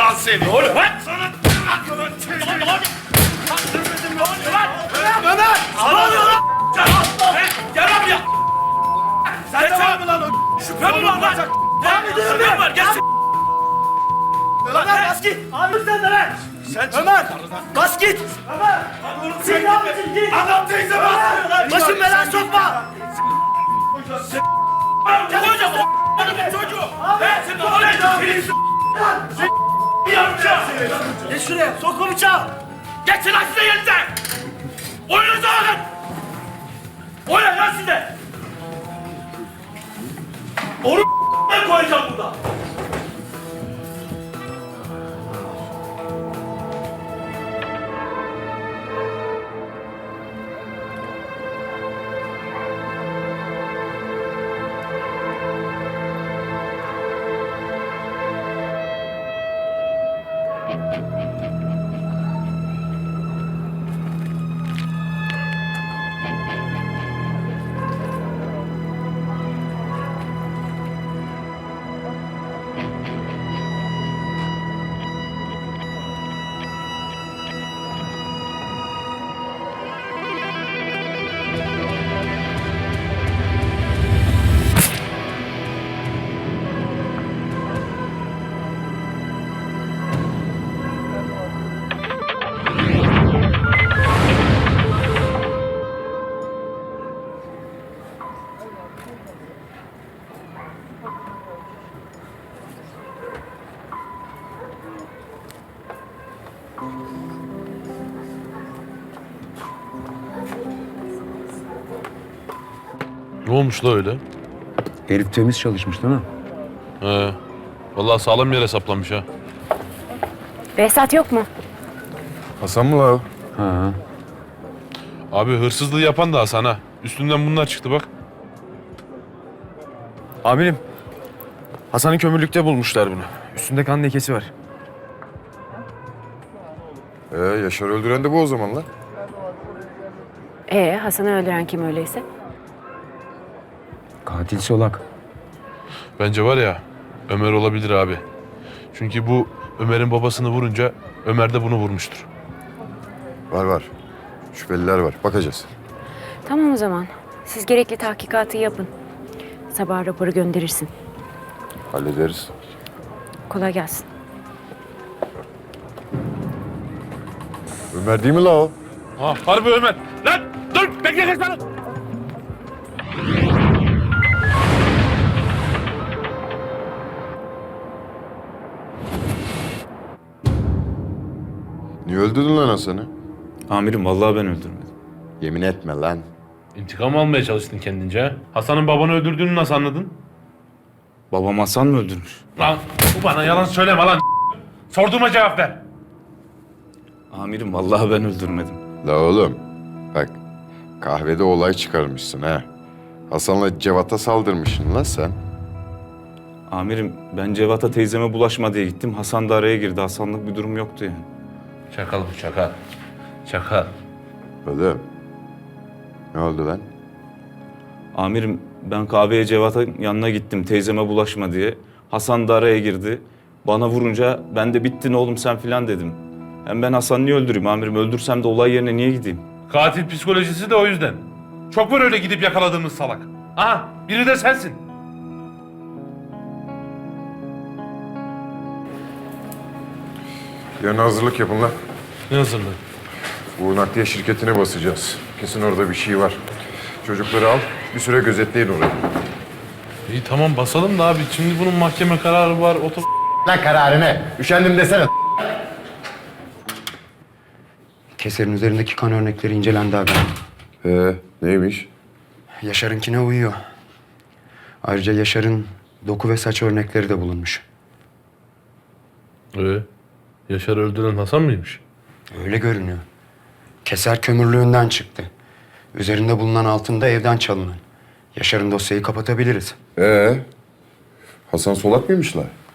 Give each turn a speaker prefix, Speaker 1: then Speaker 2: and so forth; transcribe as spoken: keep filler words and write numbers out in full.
Speaker 1: lan seni.
Speaker 2: Ne oluyor lan?
Speaker 1: Sana aklını çekeyim.
Speaker 2: Ne oluyor? Ne oluyor lan?
Speaker 1: Ömer!
Speaker 2: Ne oluyor lan? Gel lan. Gel lan buraya.
Speaker 1: Sen de var mı lan o?
Speaker 2: Şüphe mi var lan?
Speaker 1: Devam ediyorum
Speaker 2: Şüphe
Speaker 1: ben.
Speaker 2: mi var? Gelsin.
Speaker 1: Ömer bas git.
Speaker 3: Abi sen de lan!
Speaker 1: Sen
Speaker 3: Ömer! Bas git!
Speaker 1: Ömer!
Speaker 3: Sen ne yapıyorsun? Git!
Speaker 1: Adam teyze bas.
Speaker 3: Başım belaya sokma!
Speaker 2: Koyacağız o a**ın çocuğu. He sen ne oluyorsun? Bir yapacağım.
Speaker 3: Geç şuraya! Sok o bıçağı!
Speaker 2: Geçin lan size yerinize. Oyununuza bakın. Oynayın lan size. Onu ben koyacağım burada.
Speaker 4: Ne olmuş la öyle?
Speaker 5: Herif temiz çalışmış değil mi?
Speaker 4: He. Vallahi sağlam yere saplanmış ha.
Speaker 6: Behzat yok mu?
Speaker 7: Hasan mı la o?
Speaker 5: Ha.
Speaker 4: Abi hırsızlığı yapan da Hasan ha. Üstünden bunlar çıktı bak.
Speaker 7: Amirim. Hasan'ı kömürlükte bulmuşlar bunu. Üstünde kan lekesi var.
Speaker 8: Ee, Yaşar öldüren de bu o zaman lan.
Speaker 6: Ee, Hasan'ı öldüren kim öyleyse?
Speaker 5: Katil Solak.
Speaker 4: Bence var ya Ömer olabilir abi. Çünkü bu Ömer'in babasını vurunca Ömer de bunu vurmuştur.
Speaker 8: Var var. Şüpheliler var. Bakacağız.
Speaker 6: Tamam o zaman. Siz gerekli tahkikatı yapın. Sabah raporu gönderirsin.
Speaker 8: Hallederiz.
Speaker 6: Kolay gelsin.
Speaker 8: Ömer değil mi la o?
Speaker 4: Ha harbi Ömer. Lan dur bekle kaçma.
Speaker 8: Niye öldürdün lan Hasan'ı?
Speaker 7: Amirim vallahi ben öldürmedim.
Speaker 8: Yemin etme lan.
Speaker 4: İntikam almaya çalıştın kendince ha. Hasan'ın babanı öldürdüğünü nasıl anladın?
Speaker 7: Babam Hasan mı öldürmüş?
Speaker 4: Lan bu bana yalan söyleme lan. Sorduğuma cevap ver.
Speaker 7: Amirim vallahi ben öldürmedim.
Speaker 8: La oğlum. Bak. Kahvede olay çıkarmışsın ha. Hasan'la Cevat'a saldırmışsın lan sen.
Speaker 7: Amirim ben Cevat'a teyzeme bulaşma diye gittim. Hasan da araya girdi. Hasanlık bir durum yoktu yani.
Speaker 4: Çakal bu çakal. Çakal.
Speaker 8: Oğlum. Ne oldu lan?
Speaker 7: Amirim ben kahveye Cevat'ın yanına gittim teyzeme bulaşma diye. Hasan da araya girdi. Bana vurunca ben de bittin oğlum sen filan dedim. Hem ben Hasan'ı niye öldüreyim amirim? Öldürsem de olay yerine niye gideyim?
Speaker 4: Katil psikolojisi de o yüzden. Çok var öyle gidip yakaladığımız salak. Aha biri de sensin.
Speaker 8: Yarın hazırlık yapın lan.
Speaker 4: Ne hazırlığı?
Speaker 8: Bu nakliye şirketine basacağız. Kesin orada bir şey var. Çocukları al. Bir süre gözetleyin orayı.
Speaker 4: İyi tamam basalım da abi. Şimdi bunun mahkeme kararı var. Otur.
Speaker 8: Lan kararı ne? Üşendim desene.
Speaker 5: Keser'in üzerindeki kan örnekleri incelendi abi.
Speaker 8: Ee, neymiş?
Speaker 5: Yaşar'ınkine uyuyor. Ayrıca Yaşar'ın doku ve saç örnekleri de bulunmuş.
Speaker 4: Ee, Yaşar öldüren Hasan mıymış?
Speaker 5: Öyle görünüyor. Keser kömürlüğünden çıktı. Üzerinde bulunan altın da evden çalınan. Yaşar'ın dosyayı kapatabiliriz.
Speaker 8: Ee, Hasan Solak mıymış la?